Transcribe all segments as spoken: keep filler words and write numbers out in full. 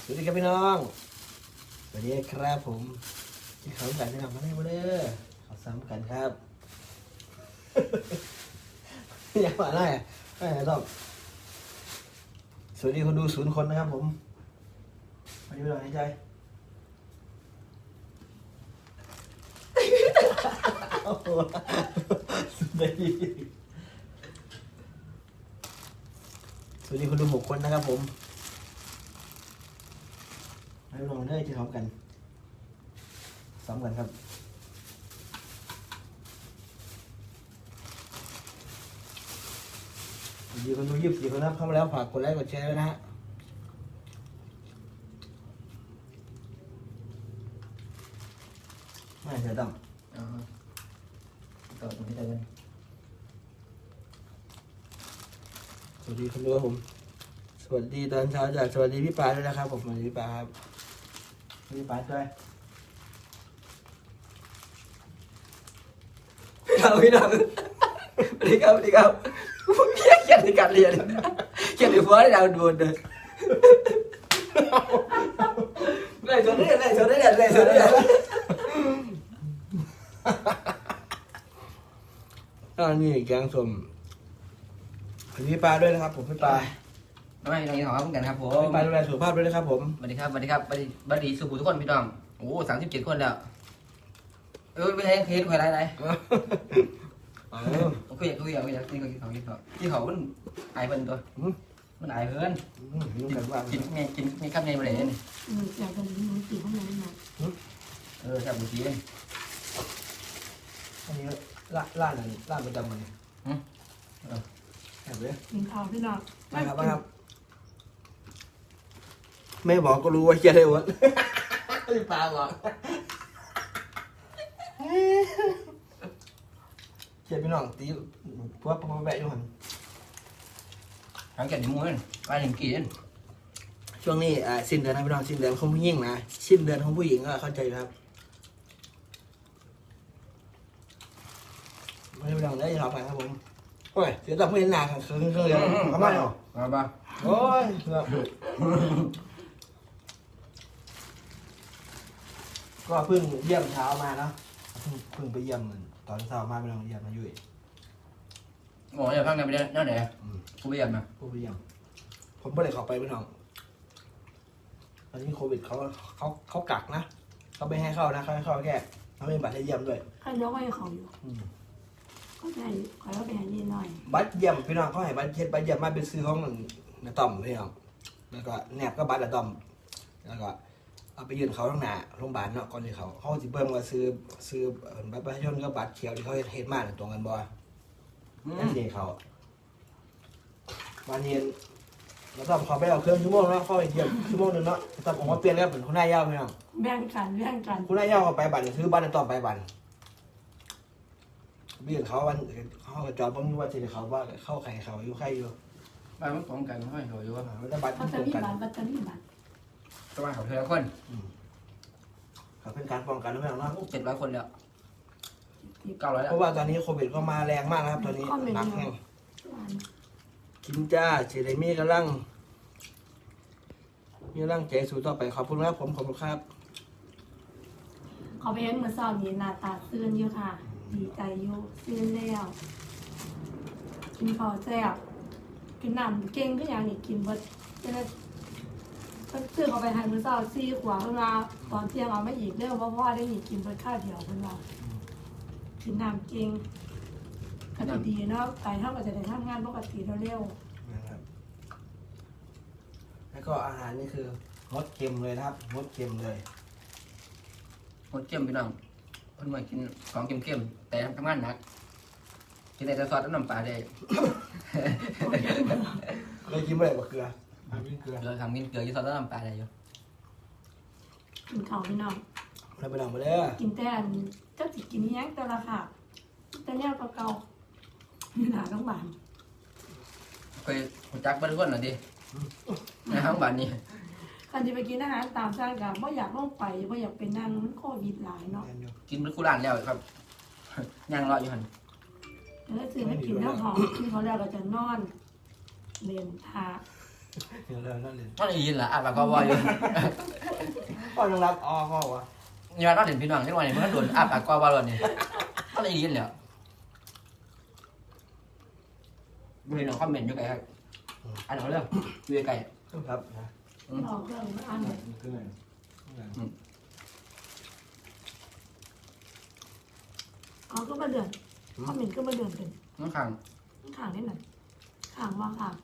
วัสดีครับพี่น้องสวัสดีครับผมที่เขากันที่นำมาให้มาเด้อเขาซ้ำกันครับ อยากมาได้ไม่ไหนหรอกสวัสดีคนดูศูนย์คนนะครับผมวันนี้พี่น้องหายใจโอ้โหสวัสดีสวัสดีคนดูหกคนนะครับผมให้ลองเด้อที่พร้อมกันซ้ำกันครับสวัสดีคนดูยี่สิบสี่คนนะครับเข้ามาแล้วฝากกดไลค์กดแชร์ด้วยนะฮะไม่เสียดำอ๋อต่อตรงนี้ได้เลยสวัสดีคนดูครับผมสวัสดีตอนเช้าจากสวัสดีพี่ปาด้วยนะครับผมสวัสดีพี่ปาครับพี่ปาด้วยเราพี่น้องสวัสดีครับสวัสดีครับเขียนเขียนในการเรียนเขียนในหัวให้เราดูเลยไล่ชนได้ไล่ชนได้ไล่ชนได้อันนี้แกงส้มพี่ปาด้วยนะครับผมพี่ปาไม่เราของเขาเหมือนกันครับผมพี่ปาดูแลสุขภาพด้วยนะครับผมสวัสดีครับสวัสดีครับสวัสดีสวัสดีสุขุทุกคนพี่น้องโอ้สามสิบเจ็ดคนแล้วเออไม่ใช่เคสใครไรไรเออคุยคุยคุยนี่ก็กินเขากินเขากินเขามันไอเพิ่นตัวมันไอเพิ่นกินไงกินไงข้ามไงมาเลยนี่อืมอยากจะรู้สีข้างในนะเออแซ่บบุตรีเลยอันนี้ล่าล่าหน่อยล่าประจำมันอืมแอบเลยกินข้าวพี่น้องมาครับมาครับไม่บอกก็รู้ว่าเฮียได้หมดพี่ปาบอกเฮียพี่น้องตีพวกพวกแบะอยู่หันทั้งแก่ดิมูนไปถึงกี่นช่วงนี้อ่าสิ้นเดือนนะพี่น้องสิ้นเดือนของผู้หญิงนะสิ้นเดือนของผู้หญิงก็เข้าใจครับไม่ได้พี่น้องได้ยินเราไปครับผมโอ้ยเสียดอกไม่เห็นหนาครับเครื่องเครื่องเดียวทำไมอ่ะมาบ้าโอ้ยก็เพิ่งเยี่ยมเช้ามาเนาะเพิ่งเพิ่งไปเยี่ยมตอนเช้ามาไปลองเยี่ยมมาอยู่โอ้ยพังกันไปได้นั่นไหนกูไปเยี่ยมนะกูไปเยี่ยมผมไม่ได้เข้าไปพี่น้องตอนนี้โควิดเขาเขาเขากักนะเขาไม่ให้เข้านะเขาให้เข้าแค่เขาไม่มีบัตรให้เยี่ยมด้วยข้าวยกให้เขาอยู่ก็ได้ขอแล้วไปหานี่หน่อยบัตรเยี่ยมพี่น้องเขาให้บัตรเช็ดบัตรเยี่ยมมาเป็นซื้อของนาต่อมพี่น้องแล้วก็แนบก็บัตรนาต่อมแล้วก็เอาไปยื่นเขาต้องหนาโรงพยาบาลเนาะก่อนที่เขาเขาสิเบิ่งว่าซื้อซื้อบัตรประชาชนกับบัตรเขียวที่เขาเฮ็ดมาตรงกันบ่นั่นเองเขาวันนี้เราต้องขอไปเอาเครื่องชั่วโมงเนาะเข้าไปเยี่ยมชั่วโมงนึงเนาะต้องผมมาเปลี่ยนแล้วเป็นคุณนายยาวพี่น้องแบ่งกันแบ่งกันคุณนายยาวเขาไปบัตรซื้อบัตรนาต่อมไปบัตรเบี่ยงเขาวันเขาจอดผมว่าจะเขาว่าเข้าใครเขาอยู่ใครอยู่บ้านมันป้องกันไม่เขาอยู่ว่าไม่ได้บัตรเขาจะมีบัตรเขาจะมีบัตรตัวเขาเท่าคนเขาเป็นการป้องกันไม่หรอกเนาะเจ็ดร้อยคนแล้วเก้าร้อยแล้วเพราะว่าตอนนี้โควิดก็มาแรงมากนะครับตอนนี้หนักแห้งกินจ้าเฉลมี่กำลังมีกำลังใจสู้ต่อไปขอบคุณครับผมขอบคุณครับเขาไปเห็นเมื่อเช้านี้หน้าตาซื่นอยู่ค่ะดีใจอยู่ซื่นแล้วกินข้าวแซ่บกินน้ำเก่งก็อย่างนี้กินเบิดจะได้ซื้อเขาไปทานมื้อเช้าซี่ขวาเวลาตอนเที่ยงเอาไม่อีกเรื่องเพราะว่าได้หนีกินเบิดข้าวเดียวเพิ่นว่ากินน้ำเก่งก็จะดีเนาะไก่เท่ากับจะได้ทำงานปกติเร็วนะครับแล้วก็อาหารนี่คืองดเค็มเลยนะครับงดเค็มเลยงดเค็มพี่น้องเพิ่นมากินของเค็มๆแต่ทำงานหนักกินแต่ซอสน้ำปลาได้เลยกินไม่ได้กับเกลือกินเกลือเราทำกินเกลือยี่ซอสน้ำปลาได้อยู่กินข้าวพี่น้องเราไปลองมาเลยกินแต่เจ้าจิกินแย้งแต่ละค่ะแต่แนวเก่าๆมีหนาต้องบานเคยจักบ้านคนหน่อยดิในห้องบ้านนี้การจะไปกินอาหารตามสั่งกับว่าอยากลงไปว่าอยากเป็นนั่งมันโควิดหลายเนาะกินเป็นคู่ร้านแล้วครับยังรออยู่หันแล้วซื้อไม่กินแล้วหอมที่เขาแล้วเราจะนอนเรียนทาเดี๋ยวเริ่มนั่นเลยมันได้ยินล่ะอ่ะปากกว่าอยู่พ่อต้องรับอ๋อพ่อวะยอดเราเห็นพี่น้องจังหวะนี้มันก็โดนอ่ะปากกว่าบ่นี่มันได้ยินแล้วพี่น้องคอมเมนต์อยู่ไกลครับอันเอาเรื่องอยู่ไกลครับนะออกเครื่องมาอันเลยขึ้นเลยเอาก็มาเดือนคอมเมนต์ก็มาเดือนเป็นน้องขังข่างได้ไหนข่างว่าข่าง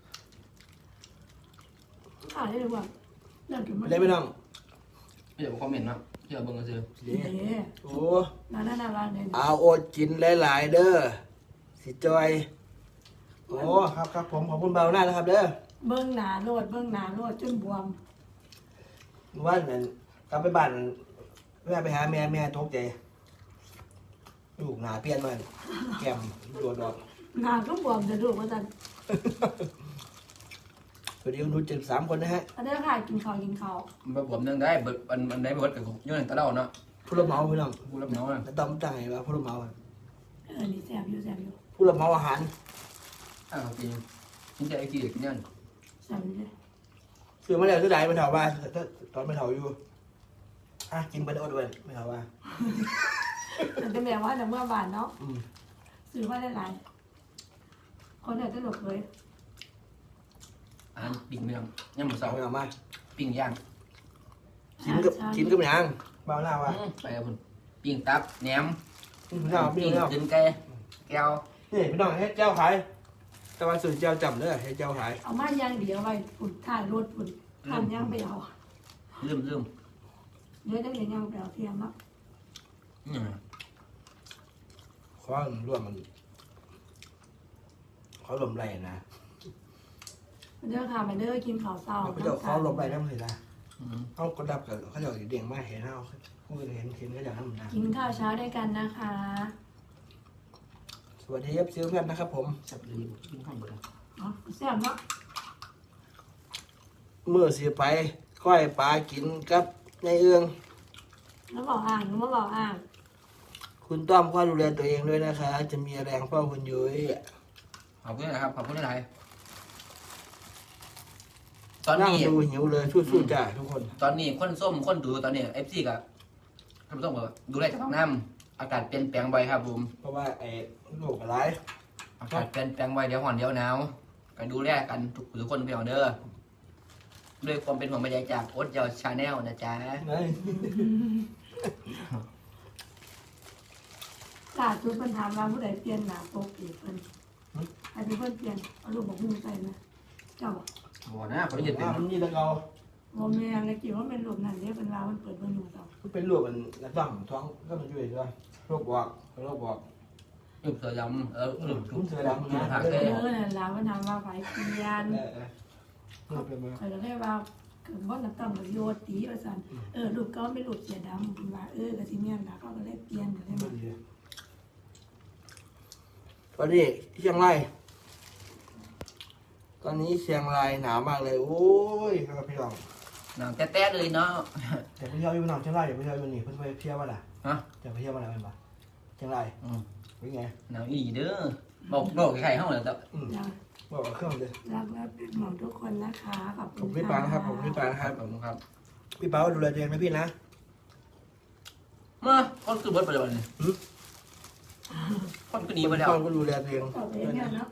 ข่างได้เลยว่าเดือนถึงมาได้ไหมน้องเดี๋ยวคอมเมนต์เนาะเดี๋ยวเบิ่งกันซื้อเดี๋เอ๊ะโอ้ร้านนั้นร้านเด่นเอาโอดกินหลายๆเด้อสิจอยโอ้ครับครับผมขอบคุณเบาหน้านะครับเด้อเบิ้งหนาโลดเบิ้งหนาโลดจนบวมว่านั่นกลับไปบ้านแม่ไปหาแม่แม่ตกใจลูกหนาเปลี่ยนมันแก้มโดดดอกหนาก็บวมจะดูว่าจะสวัสดีคุณดูเจ็ดสามคนนะฮะอันนี้ค่ะกินข้าวกินข้าวมันผมนึงได้เบิดมันมันได้เบิดกับย้อนตะเล่าเนาะผู้รับเหมาพี่น้องผู้รับเหมาอ่ะแต่ต้องตั้งไงว่าผู้รับเหมาอะเออนี่แซ่บอยู่แซ่บอยู่ผู้รับเหมาอาหารอ้าวจริงกินแต่ไอ้กี่กินยันแซ่บอยู่เลยซื้อมาแล้วซื้อไหนไม่เท่าว่าตอนไม่เท่าอยู่อ่ะกินไปได้อดด้วยไม่เท่าว่าแต่เป็นแบบว่าแต่เมื่อบานเนาะอืมซื้อมาได้หลายคนเนี่ยจะหลบเลยอ่านปิ้งเมืองย่ำหมูสาเสาวไม่เอามาปิ้งย่างกินกับกินกับหยังเบาหน้าว่าไปกับคุณปิ้งตับแหนมพี่น้องพี่ปิ้งน้องกินไก่แก้วนี่พี่น้องให้เจ้าขายแต่ว่าสื่อเจ้าจำเด้อให้เจ้าขายเอามาย่างเดียวไว้ฝุ่นถ่ายรถฝุ่นทำย่างไปเอาลืมลืมเดี๋ยวจะเรียนย่างไปเอาเทียมเนาะอืมข้อร่วมมันเขาลมไรนะเด้อค่ะมาเด้อกินข้าวเช้าเขาจะเขาลมไรนั่นเลยนะอืมเขากดดับกับเขาจะเดี่ยงมากเห็นเขาเขาเห็นเห็นเขาอย่างนั้นนะกินข้าวเช้าด้วยกันนะคะสวัสดีครับซื้อเพื่อนนะครับผมจับเลยกินข้าวหมดแล้วเนาะแซ่บเนาะเมื่อเสียไปก้อยปลากินกับในเอื้องแล้วบอกอ่างแล้วบอกอ่างคุณต้อมก็ดูแลตัวเองด้วยนะคะ จะมีแรงเฝ้าคุณยุ้ยขอบคุณนะครับขอบคุณหลายตอนนั่งนี้ดูหิวเลยสู้ๆจ้าทุกคนตอนนี้คนส้มคนดูตอนนี้เอฟซีกับท่านผู้ชมก็ดูแลจากท้องน้ำอากาศเปลี่ยนแปลงบ่อยครับผมเพราะว่าไอ้โรคอะไรอากาศเปลี่ยนแปลงบ่อยเดี๋ยวห่อนเดี๋ยวหนาวกันดูแลกันทุกทุกคนพี่น้องเด้อด้วยความเป็นห่วงใยจากโอ๊ตเยาวชาแนลนะจ๊ะไงล่าสุดเพิ่นถามว่าผู้ใดเปลี่ยนหน้าปกอีกเพิ่นให้เป็นเพิ่นเปลี่ยนเอาลูกบอกหุ้มใส่นะเจ้าบอกโอ้นะเขาได้ยินเป็นมันนี่ตะเกาบ่แม่นเลยกี่ว่าเป็นรูปนั้นเด้เป็นว่ามันเปิดเบิ่งอยู่เจ้ามันเป็นรูปมันกระต้อมท้องก็มันช่วยด้วยโรคบอกโรคบอกรูปเสือดำเออรูปรูปเสือดำนะผักเอเต้อนั่นล่ะมันถามว่าไผเปลี่ยนเออเออรูปเป็นมาข่อยก็เลยว่าเกิดว่าน้ำตาลโยดตีว่าซั่นเออรูปก็เป็นรูปเสียดำเพิ่นว่าเออก็สิแม่นล่ะเขาก็เลยเปลี่ยนก็เลยมาตอนนี้เชียงรายตอนนี้เชียงรายหนาวมากเลย โอ้ยครับพี่น้องหนังแต๊ะๆเลยเนาะอย่าไปเที่ยวอยู่หนองเชียงรายอย่าไปเที่ยวอยู่นี่เพิ่นไปเที่ยวว่าล่ะฮะจะไปเที่ยวว่าล่ะเป็นปะเชียงรายอืมเป็นไงหนาวอีเด้อบอกบอกใครเข้าเลยแต่อืมจ้ะบอกกับเครื่องเลยรักและเป็นห่วงทุกคนนะคะขอบผคุมณพี่ปานะครับผมพี่ปานะคครัรับบ ผมครับพี่ปาดูแลตัวเองนะพี่นะเมื่อคนคือเบิร์ดไปเลยวันนี้คนก็หนีไปแล้วพ่อก็ดูแลตัวเองขอบคุณเนี่ยเนาะ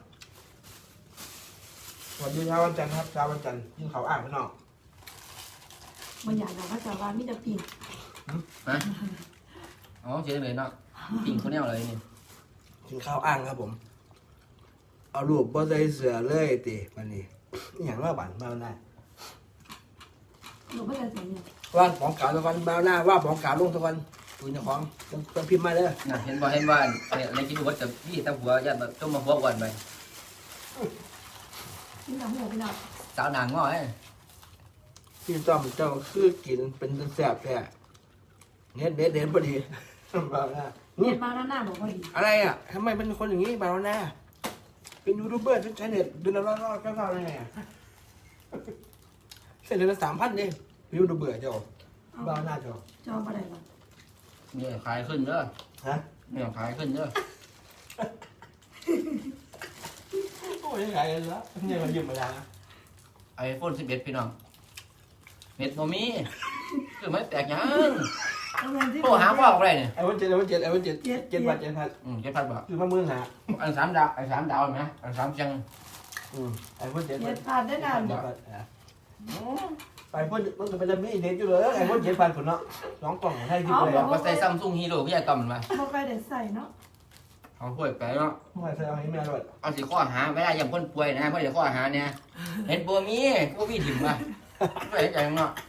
สวัสดีเช้าวันจันทร์ครับเช้าวันจันทร์ยิ่งเขาอ่างพี่น้องบางอย่างเราก็จะว่ามิจะปีนฮะอ๋อเจ๊เลยเนาะปิ่งคนแนวเลยนี่กินข้าวอ่างครับผม เอารูปบ่ใส่เสื้อเลยติวันนี้อหย่างว่าบันบ้าหน้าหนูไม่ได้ใส่เนี่ยว่านของเก่าตะวันบ้าหน้าว่าของเก่าลงตะวันตูนเจ้าของต้องต้องพิมพ์มาเด้อน่ะเห็นบ่เห็นว่าในกินวัดจะพี่ตาหัวยันแบบจมมาหัววันไปนี่เราหัวไปหน่อยสาวนางง้อไอ้พี่ต้อมเจ้าคือกินเป็นแซ่บแท้เน็ตเน็ตเน็ตพอดีบ้าหน้าเรียนมาหน้าหน้าบอกว่าดีอะไรอ่ะทำไมเป็นคนอย่างนี้บ้าหน้าเป็นยูทูบเบอร์เป็นใช้เน็ตเดือนละร้อยร้อยเก้าเก้าได้ไงอ่ะเสร็จเดือนละสามพันเองยูทูบเบอร์เจ้าบ้าหน้าเจ้าจองอะไรหรอเนี่ยขายขึ้นเด้อฮะเนี่ยขายขึ้นเด้อโอ้ยยังไงกันละเนี่ยมันยืมมาแล้วนะไอโฟนสิบเอ็ดพี่น้องเน็ตโมมีคือไม่แตกยังเอาเงินที่โทรหาพ่ออะไรเนี่ยไอ้วันเจ็ดไอ้วันเจ็ดไอ้วันเจ็ดเจ็ดบาทเจ็ดพันอืมเจ็ดพันบาทคือมาหมื่นหาอันสามดาวไอสามดาวไหมอันสามจังอืมไอ้วันเจ็ดเจ็ดพันได้นานเจ็ดพันอ่ะไปพ่นมันก็ไปจะมีเด็ดอยู่เลยไอ้วันเจ็ดพันผลเนาะสองกล่องให้ที่เลยว่าใส่ซัมซุงฮีโร่พี่ใหญ่ต่อมมันมาบ่ค่อยได้ใส่เนาะเอาถ้วยไปเนาะไม่ใช่เอาให้แม่ด้วยเอาสิข้อหาไม่ได้ยังคนป่วยนะเพราะเดี๋ยวข้อหาเนี่ยเห็นบัวมีกูพี่ถิ่มมาไม่ได้ใจเนาะ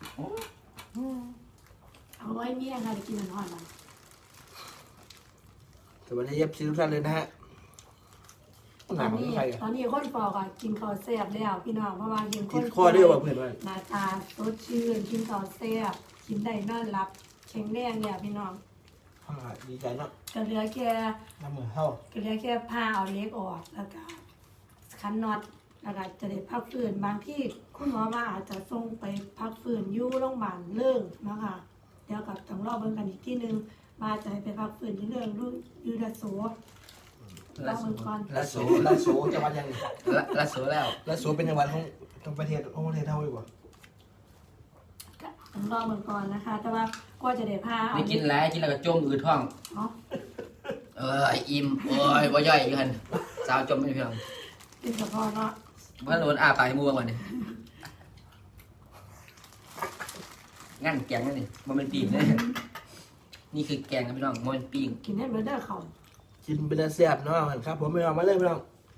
เอาไว้เมียค่ะจะกินมันหอนมันสวัสดีเอฟซีทุกท่านเลยนะฮะตหนาอนของนี้ใครตอนนี้คนฟอกอ่ะกินข้าวแซ่บแล้วพี่น้องเพราะว่ากินคกินนข้อเดียวว่าเพื่อนว่าหน้าตาสดชื่นกินข้าวแซ่บกินได้นอนหลับแข็งแรงเนี่ยพี่น้องดีใจเนาะก็เหลือแค่น้ำมือเข้าก็เหลือแค่ผ้าเอาเล็กออกแล้วก็คันน็อตแล้วก็จะได้พักฟื้นบางที่คุณหมอว่าอาจจะส่งไปพักฟื้นอยู่โรงพยาบาลเรื่องนะคะเดี๋ยวกับต้องรอเบิ่งกันอีกที่นึงว่าจะให้ไปพักฟื้นที่เรื่องดูยูดาโซรอเบิ่งก่อนละโสละโสจังหวัดยังละละสวยแล้วละโสเป็นจังหวัดของของประเทศของประเทศเท่าอยู่ป่ะต้องรอเบิ่งก่อนนะคะ แต่ว่าก็จะได้ผ้าเอาไม่กินแล้วกินแล้วก็จมอืดท้องเนาะเอออิ่มโอ้ยบ่ย่อยอยู่หันสาวจมไม่เพียงเป็นเฉพาะเนาะว่าโดนอ้าปากมัวก่อนนี่งั้นแกงนั่นนี่มันเป็นปีงเลยนี่คือแกงครับพี่น้องมันเป็นปีงกินให้เบอร์เดอร์เขากินเป็นแซ่บเนาะครับผมไม่เอามาเลยไม่เอา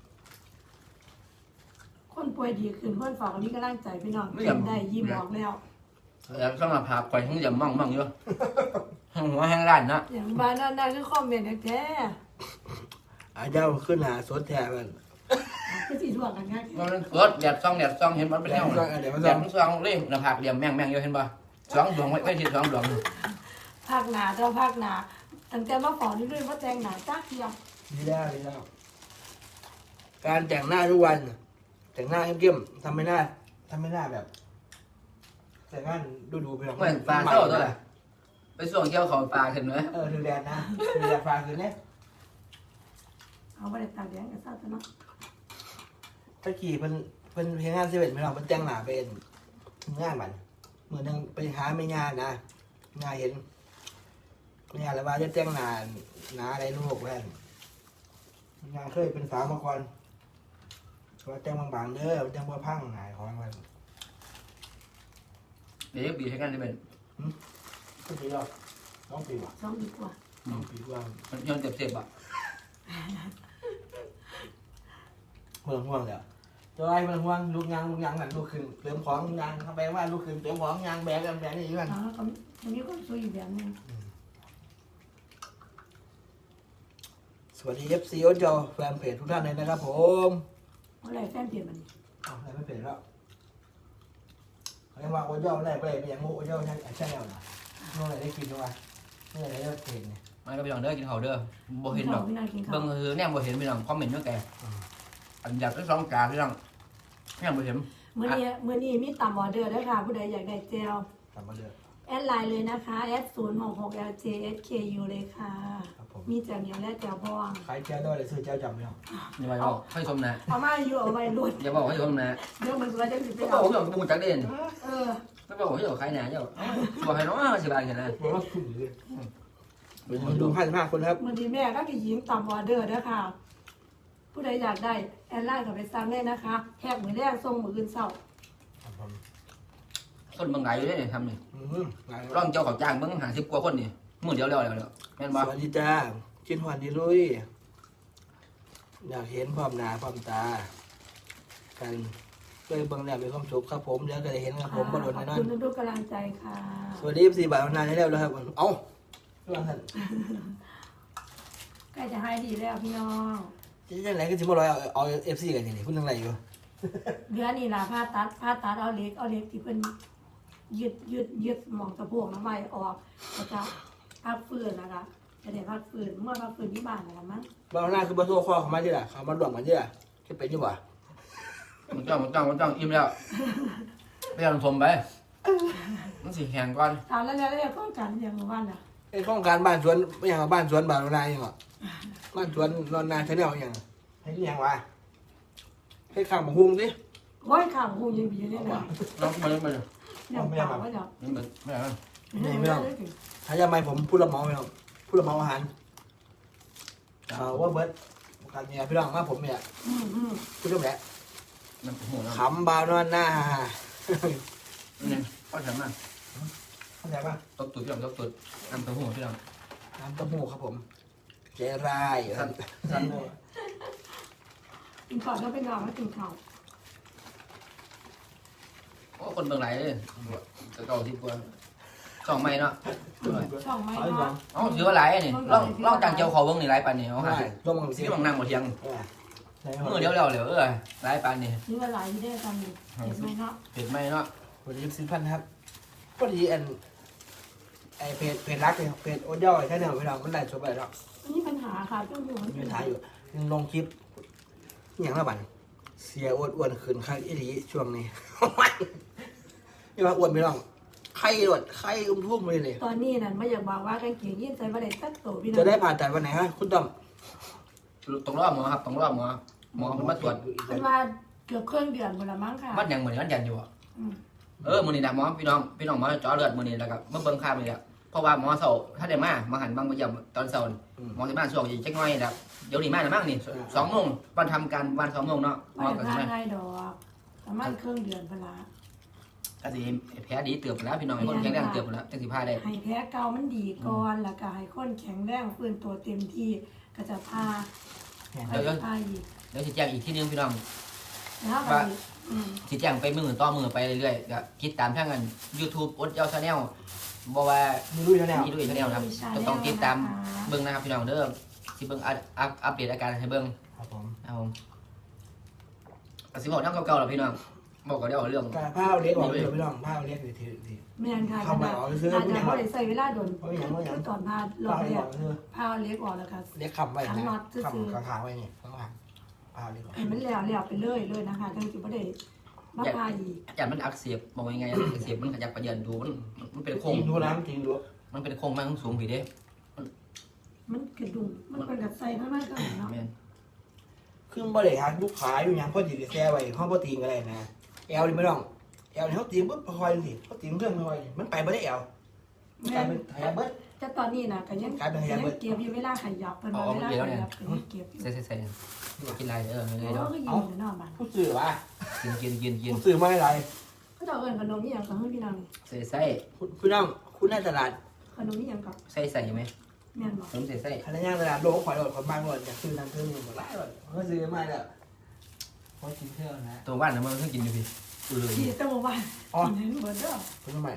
คนป่วยดีขึ้นคนฝากอันนี้ก็ร่างใจพี่น้องกินได้ยิ้มออกแล้วแล้วสำหรับผักข่อยทั้งอย่ามั่งมั่งอยู่หัวแห้งร้านนะอย่างบ้านนั่นๆคือคอมเมนต์แท้อาเจ้าขึ้นหาสดแท้มันๆคือสีถ่วงกันง่ายมันรถแดดซองแดดซองเห็นมันเป็นแนวแดดมันซองเล่มหน้าผากเหลี่ยมแม่งแม่งอยู่เห็นป่ะสองดวงไว้ไว้ที่สองดวงภาคหนาเจ้าภาคหนาตั้งแต่มาฝอนี่ด้วยว่าแจงหนาจ้าเทียมดีแล้วดีแล้วการแต่งหน้าทุกวัน แต่งหน้าเข้มๆทำไม่หน้าทำไม่หน้าแบบ แต่งหน้าดูดูไปหรอกเหมือนปลาเท่าตัวแหละไปส่งเกี่ยวของปลาขึ้นเนอะเออถือแดดนะถือแดดฟ้าคืนนี้เอาไปตากแดงกันซะเนาะตะกี้เพิ่นเพิ่นเพลงงานเซเว่นไม่หรอกเพิ่นแต่งหน้าเป็นงานมันเหมือนนึงไปหาไม่งานนะงานเห็นไม่งานแล้วว่าจะแต่งหน้าหน้าอะไรลูกแว่นงานเคยเป็นสาวมาก่อนว่าแต่งบางๆเด้อแต่งบ่พังหายของมันเดี๋ยวบีบให้กันได้เป็นก็ปีแล้วน้องปีว่ะสองดีกว่าน้องปีกว่ามันย้อนเจ็บเจ็บอ่ะเมืองห่วงเดี๋ยวจะไล่เมืองห่วงลูกยางลูกยางนั่นลูกขึ้นเติมของยางเขาแปลว่าลูกขึ้นเติมของยางแบกกันแบกนี่อยู่กันแล้วก็มันมีความสวยอยู่แบบนึงสวัสดีเอฟซีโอจอแฟนเพจทุกท่านเลยนะครับผมอะไรแฟนเปลี่ยนมันอ้าวอะไรไม่เพจแล้วเขาเรียกว่าโอจอไม่ได้ไม่ได้ไม่อย่างโง่โอจอใช่ใช่แล้วนะโง่อะไรได้กินด้วยเมื่อไรได้เพจเนี่ยมันก็ไปลองเด้อกินเขาเด้อบ่เห็นดอกพี่น้องกินข้าเบิ่วงคือเนี่ยบ่เห็นพี่น้องคอมเมนต์เมื่อแกอันอยากได้สองจานพี่น้องเนี่ยบ่เห็นมื้อนี้มื้อนี้มีตำออเดอร์ด้วยค่ะผู้ใดอยากได้เจลกลับมาเดือดแอดไลน์เลยนะคะแอดศูนย์หกหก แอล เจ เอส เค ยู เลยค่ะครับผมมีแจ่วเหนียวและแจ่วบองใครเจ้าด้วยเลยซื้อเจ้าจำไม่เอาอย่าไปบอกให้ชมนะเอามาอยู่เอาไว้รุ่นอย่าบอกให้ชมนะเดี๋ยวมันก็จะสิไปก็บอเอากว่าพี่น้องจักเด่นเออไม่บอกว่าพี่น้องใครนะเจ้าบอกให้น้องสิบาทแค่นั้นเพราะว่าคุ้มเลยมาดูพันห้าคนครับมื้อนี้แม่ก็สิยิงตำออเดอร์เด้อค่ะ ผู้ใดอยากได้แอดไลน์ก็ไปสั่งได้นะคะแทกมื้อแรกส่งมื้ออื่นเช้าครับผมคนบางรายอยู่ได้เนี่ยทำนี่อืมหลายร่องเจ้าเขาจ้างเบิ่งหาสิบกว่าคนนี่มือเดียวแล้วแล้วแม่นสบ่วัสดีจ้ากินหวานดีลุยอยากเห็นความหนาความตา กันเคยเบิ่งแล้วมีความสุขครับผมเดี๋ยวก็ได้เห็นครับผมบ่โดนขแน่อบนอนคุณทุกๆกำลังใจค่ะสวัสดีสี่บาทนานให้แล้วครับเอ้าเรื่องท่านใกล้จะให้ดีแล้วพี่น้องจะยังไงก็สิบ่ร้อยเอาเอาเอฟซีกันนี่พูดเรื่องอะไรอยู่เดือนนี้ล่ะผ้าตัดผ้าตัดเอาเหล็กเอาเหล็กที่เพิ่นยึดยึดยึดหมองสะโพกน้ำไม้ออกก็จะพักฟื้นนะคะจะได้พักฟื้นเมื่อพักฟื้นที่บ้านนะคะมั้งบ้านหน้าคือบ้านโซ่คอเขามาที่ละเขามาด่วงมาที่ละจะเป็นอยู่บ่มันจ้องมันจ้องมันจ้องอิ่มแล้วไปเอาชมไปมันสิแห้งก่อนถามแล้วแล้วแล้วก็กันอย่างเมื่อวานน่ะไอ้โครงการบ้านสวนไม่อย่างบ้านสวนบ้านนาอย่างหรอบ้านสวนนอนนาชาแนลอย่างให้ที่อย่างวะให้ข้างบังฮุงสิร้อยข่าวหูยังบีเลยนะน้องมาเลยมาเลยเนี่ยข่าวว่าเดี๋ยวนี่มันไม่เอาไม่ได้ถึงถ้าจะไม่ผมพูดละเมาพี่น้องพูดละเมาอาหารเอาว่าเบิร์ดการเนี่ยพี่น้องมาผมเนี่ยอืมอืมพูดเรื่องแหละน้ำหูน้ำขำบาวนอนหน้านี่ก็ทำมาเข้าใจป่ะตบตุ่พี่น้องตบตุ่น้ำหูพี่น้องน้ำเต้าหู้ครับผมเจรายสั้นสั้นกินข่าวแล้วไปนอนแล้วกินข่าวโอ้คนเมืองไหนเลยจะเก่าที่กว่าสองไม่เนาะช่องไม่เอาอีกเนาะอ๋อถือว่าหลายนี่ลองลองจางเจียวเขาเบิ้งนี่หลายปานนี่เอาใช่ฮะร่วมกันไปสิที่บางนั่งบ่เทียงเออใช่ไหมมือเดียวเดียวเหลวเออหลายปานนี่นี่ว่าหลายที่ได้ทำอยู่เห็นไหมเนาะเห็นไหมเนาะวันนี้สิบพันครับพอดีอันไอเพจเพจรักเนี่ยเพจโอ๊ตย่อยแค่เนี่ยพี่น้องมันได้ชมไปแล้วนี่ปัญหาค่ะต้องอยู่มันมีปัญหาอยู่ยังลงคลิปอย่างละบันเสียอ้วนอ้วนขึ้นข้างอีหลีช่วงนี้ นี่ว่าอ้วนไม่ต้องไข้หลดไข้อุ้มทุ่มเลยเลยตอนนี้นั่นไม่อยากบอกว่ากางเกงยีนใส่มาได้สักตัวพี่น้องจะได้ผ่าตัดวันไหนฮะคุณต้อมต้องรอบหมอครับต้องรอบหมอหมอมันมาตรวจมันว่าเกือบเครื่องเดือนหมดละมั้งค่ะวัดยังเหมือนกันยันอยู่อ่ะอืมเออมือนี่นะหมอพี่น้องพี่น้องหมอเจาะเลือดมือนี่แล้วก็เมื่อเบิ่งค่ามือนี่แหละเพราะว่าหมอเสาถ้าได้มามาหันบางมาเยี่ยมตอนเสาร์หมอที่บ้านช่วงจักหน่อยแล้วเดี๋ยวนี้มาแล้วมั้งนี่สองโมงวันทำการวันสองโมงเนาะหมไม่อได้ก็พาใช่ไหมง่ายดอกประมาณเครื่องเดือนเวลาก็สิแผลดีเตือบไปแล้วพี่น้องให้คนแข็งแรงเตือบไปแล้วจังสิพาได้ให้แพ้เก่ามันดีก่อนแล้วก็ให้คนแข็งแรงฟื้นตัวเต็มที่ก็จะพาเนี่ยไปพาอีกเดี๋ยวสิแจ้งอีกที่นึงพี่น้องแล้วแบบนี้อืมสิแจ้งไปมือต่อมือไปเรื่อยๆก็คิดตามทางกัน YouTube อดเจ้าชาแนลบ่ว่ามีรู้อยู่แล้วมีด้วยชาแนลครับต้องต้องติดตามเบิ่งนะครับพี่น้องเด้อสิเบิ่งอัปอัปอัปเดตอาการให้เบิ่งครับผมครับผมก็สิบอกน้ำเก่าๆหรอพี่น้องบอกก็ได้เอาเรื่องการผ้าเล็กออกเลยพี่น้องผ้าเล็กเลยทีทีแม่นค่ะเข้ามาเอาซื้ออาจผู้จะใหญ่บ่ได้ใส่เวลาโดนเอาอย่างเอาอย่างคือตอนพาลผ้าง เล็เรีกยอก อกคือพาเล็กออกแล้วก็เล็กคำไว้นะคำขาไว้นี่ข้างหลังผ้าเล็กออกให้มันแล้วแล้วไปเลยเลยนะคะจังสิบ่ได้มาพาอีกอาจารย์มันอักเสบบอกยังไงอักเสบมันขยับกระเยินดูมันมันเป็นโคจงริงดูน้ำจริงดูมันเป็นโคงมันสูงผีเด้มันกระดุมมันเป็นกับใส่ข้างในก็เนาะแม่นขึ้นบ่ได้หาลูกค้าอยู่ยังพอดีแซ่ไว้ห้องพอตีนก็ได้นะแอลนี่ไม่ต้องแอลนี่เขาตีปุ๊บคอยสิเขาตีเครื่องคอยมันไปไม่ได้แอลกลายเป็นแฮเบิร์ตแต่ตอนนี้นะก็ยังกลายเป็นขยะยังเบิดเก็บอยู่เวลาขยับเพิ่นว่าเวลาขยับก็ยังเก็บอยู่ใส่ใส่ใส่กินอะไรเออเลยโอ้เนาะก็อยู่ในนอกบ้านผู้สื่อวะกินกินกินกินผู้สื่อไม่อะไรเขาจะเอาเอิ้นขนมนี่หยังกับเฮือพี่น้องนี่ใส่ใส่คุณคุณน้องคุณหน้าตลาดขนมนี่หยังกับใส่ใส่ไหมแม่นบ่ขนมใส่ใส่พนักงานตลาดโลกขอยโดดคนบ้านโดดอยากซื้อน้ำซื้อนี่หมดหลายเลยเขาซื้อมาแล้วเขากินเที่ยวนะตัวบ้านนะมันเพิ่งกินอยู่พี่ดูเลยที่ตะวันกินให้เบิดเด้อคุณทำไม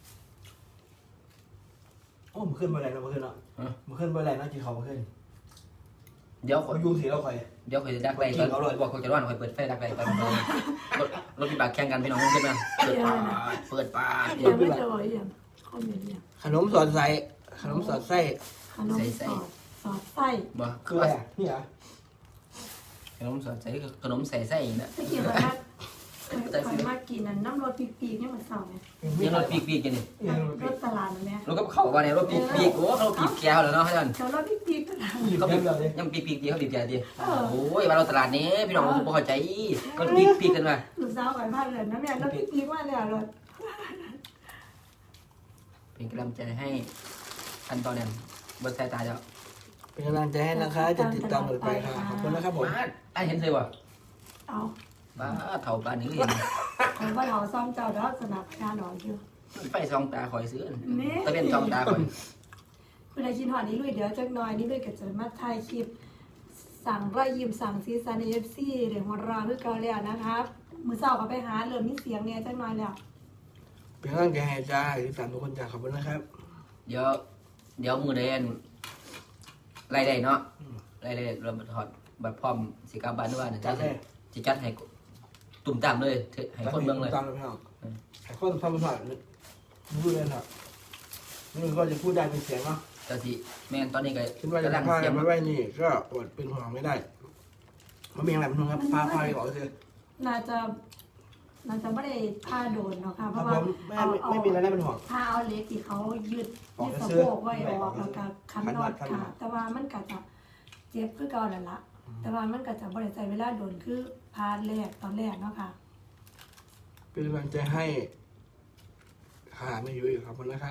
โอ้มันขึ้นไปไหนเราขึ้นเนาะมันขึ้นไปไหนเนาะจีเขาขึ้นเดี๋ยวเขายูสีเราคอยเดี๋ยวคอยจะดักไล่ตอนบอกคอยจะร้อนคอยเปิดไฟดักไล่ตอนรถรถมีบากแข่งกันพี่น้องขึ้นมาเปิดปาเปิดปาเดี๋ยวไม่เจออีหยังคนเดียวเนี่ยขนมสอดใส่ขนมสอดไส้ขนมสอดสอดไส้บ่คืออะไรอ่ะนี่เหรอขนมใส่ขนมใส่ไส้นะตะกี้ว่าเคยมากินนั่นน้ำรสปีกๆเนี่ยมันเศร้าไงยังรถปีกปีกกันนี่รสตลาดนั่นแหละรถก็เข้ามาในรถปีกปีกโอ้เขาปีกแก้วแล้วเนาะท่านเดี๋ยวรสปีกๆตลาดเขาปีกยังปีกปีกดีเขาปีกแก้วดีโอ้ยมาเราตลาดนี้พี่น้องผมเข้าใจก็ปีกปีกกันมาลูกสาวไปบ้านเลยนะแม่รสปีกๆว่าเนี่ยรสเป็นกำลังใจให้ขั้นตอนนั้นบนสายตาเจ้าเป็นกำลังใจให้นะคะจะติดตามต่อไปค่ะขอบคุณนะครับผมบ้านไอ้เห็นเลยว่ะเอาบ้าเถ่าบ้านนี้เห็นผมว่าเราซ่อมเจ้าแล้วสนับงานหน่อยอยู่ไปซองตาคอยซื้อนี่ตะเป็นซองตาคอยคุณนายชินหอนี่ลุยเดี๋ยวจักหน่อยนี่ลุยก็จะมาถ่ายคลิป สั่งรอยยิ้มสั่งซีซันเอฟซีเดี๋ยวหัวเราคือเก่าแล้วนะครับมือเศร้าก็ไปหาเริ่มมีเสียงเนี่ยจักหน่อยแล้วเป็นกำลังใจให้จ้าติดตามทุกคนจ้าขอบคุณนะครับเดี๋ยวเดี๋ยวมือเดนไล่ได้เนาะไล่ได้เราถอดบัตรพร้อมสิกาบ้านด้วยนะจ้าจ้าแท้จะจัดให้ตุ่มตามเลยให้คนเมืองเลยตามเลยพี่น้องให้คนทำภาษาพูดเลยครับนี่ก็จะพูดได้เป็นเสียงเนาะจ้าสิแม่นตอนนี้ก็คิดว่าจะกำลังพาเสียงมาไว้นี่ก็อดเป็นห่วงไม่ได้มันมีอะไรเป็นห่วงครับพาพาไปก่อนคือน่าจะน่าจะไม่ได้ผ้าโดนเนาะค่ะคเพรับราะผว่ามไม่เอาไม่เอาไม่มีอะไรน่าเป็นห่วงผ้าเอาเล็กที่เขายืดออกยืดไปสะซื้อโพกไว้ออกออกไปแล้วซื้อก็คันนอดคันนอดค่ะ แต่ว่ามันก็จะเจ็บคือเก่าแล้วละแต่ว่ามันก็จะบริใจเวลาโดนคือพาแรกตอนแรกเนาะค่ะเป็นกำลังใจให้ค่ะไม่อยู่อีกขอบคุณนะครับ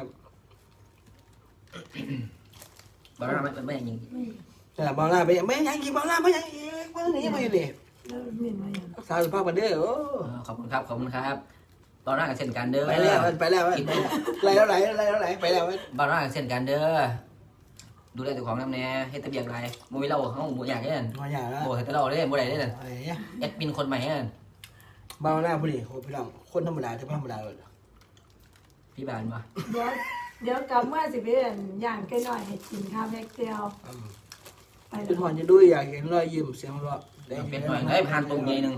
บาร์ไม่ไม่ยังยิงไม่แต่บอลล่าไปไม่ยังกินบอลล่าไม่ยังกินบอลนี้ไม่เลยแล้วเมียนมาอย่างรักษาสุขภาพกันเด้อโอ้ขอบคุณครับขอบคุณครับบาร์กับเช่นกันเด้อไปแล้วไปแล้วไหลแล้วไหลไหลแล้วไหลไปแล้วบาร์กับเช่นกันเด้อดูแลตัวของน้ำแน่ให้ตะเบียงไรมูวิเราห้องหมูอยากเนี่ยมาอย่างละโบเห็นตลอดเลยโบได้เลยอะไรเนี่ยแอดมินคนใหม่เนี่ยบอลล่าผู้ดีคนพี่น้องคนธรรมดาจะธรรมดาเลยพี่บานมาเดี๋ยวเดี๋ยวกลับเมื่อสิเป็นอย่างใกล้หน่อยให้กินข้าวแพ็กเดียวไปเป็นหอนจะดูอยากเห็นรอยยิ้มเสียงหัวเราะเป็นหน่อยได้ผ่านตรงใหญ่หนึ่ง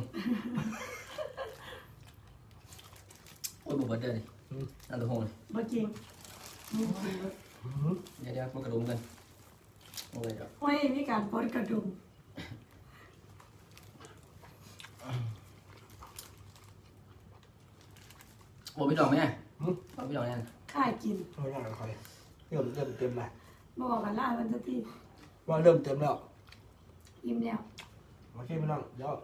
โอ้ยบุบเบิร์ดเลยนั่นตัวโหงเมื่อกี้เดี๋ยวเดี๋ยวมันกระดุมกันโอ้ยเดี๋ยวไม่มีการปนกระดุมโอ้พี่ดอกไหมโอ้พี่ดอกเนี่ยค่ายกินโอ้ยน่าคอยเริ่มเริ่มเต็มแล้วบอกกันล่ามันจะที่ว่าเริ่มเต็มแล้วยิ้มแล้วโอเคพี่น้องเดี๋ยว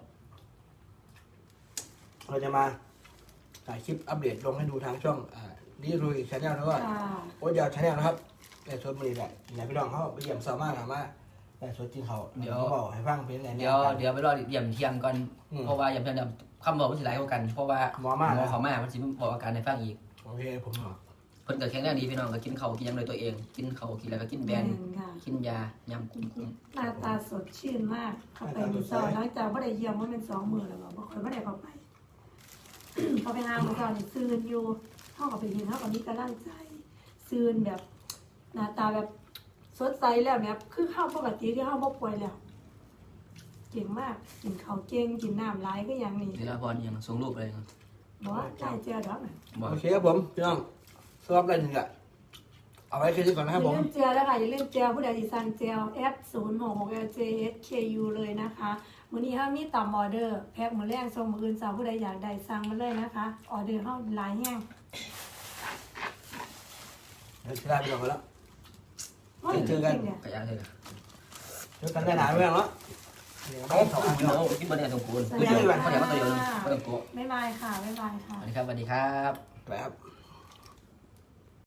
เราจะมาถ่ายคลิปอัปเดตลงให้ดูทางช่องอ่านี่ดูอีกชาแนลแล้วก็ค่ะโอ้ยเดี๋ยวชาแนลนะครับแต่ชวนบุรีแหละไหนพี่น้องเขาไปเยี่ยมสามารถถามว่าแต่ชวนจริงเขาเขาบอกให้ฟังเป็นไงเดี๋ยวเดี๋ยวไปรอเยี่ยมเทียมก่อนเพราะว่าเยี่ยมเทียมคำบอกมันสิหลายกว่ากัน เพราะว่าหมอเขามามันสิบอกอาการในฟังอีกโอเคผมบอกเพิ่นก็แข็งแรงดีพี่น้องก็กินเขากินยังโดยตัวเอง กินเขากินแล้วก็กินแบนค่ะกินยายำกุ้งกุ้งหน้าตาสดชื่นมาก เข้าไปมีซอยหลังจากว่าได้เยี่ยมว่าเป็นสองมือแล้วบอกคอยว่าได้เข้าไป เขาไปหามาตอนนี้ซืนอยู่เท่ากับไปยืนเท่ากับมีกำลังใจซืนแบบหน้าตาแบบสดใสแล้วแบบคือเข้าปกติที่เข้าบ่ป่วยแล้วเก่งมากกินข้าวเก่งกินน้ำร้ายก็ยังนี่เดี๋ยวพรยังส่งรูปเลยบอกว่าได้เจอดอกน่ะบอกโอเคครับผมพี่น้องสำหรับอะไรหนึ่งอะเอาไว้แค่นี้ก่อนอนะคย่ารับผมลืมเจลแล้วค่ะอย่าลืมเจลผู้ใดที่สั่งเจล เอฟ ศูนย์ หก หก แอล เจ เอส เค ยู เลยนะคะมื้อนี้เฮามีต่อมออเดอร์แพ็คมื้อแรงส่งมื้ออื่นสาวผู้ใดอยากได้สั่งมาเลยนะคะออเดอร์เฮาหลายแฮงเดี๋ยวจะได้ไปก่อนแล้วโอ้ยเจอกันจริงเนี่ยกระยาเลยเจอกันได้หนาไม่เอาแล้วเดี๋ยวเอาเขาสองอันกินเนาะเอากินบนเนี่ยสมควรสวัไม่สดีใช่ค่ะเขาเดี๋ยวมาตัวเดียวไม่ต้องโกะบ๊ายบายค่ะบ๊ายบายค่ะสวัสดีครับสวัสดีครับไปครับ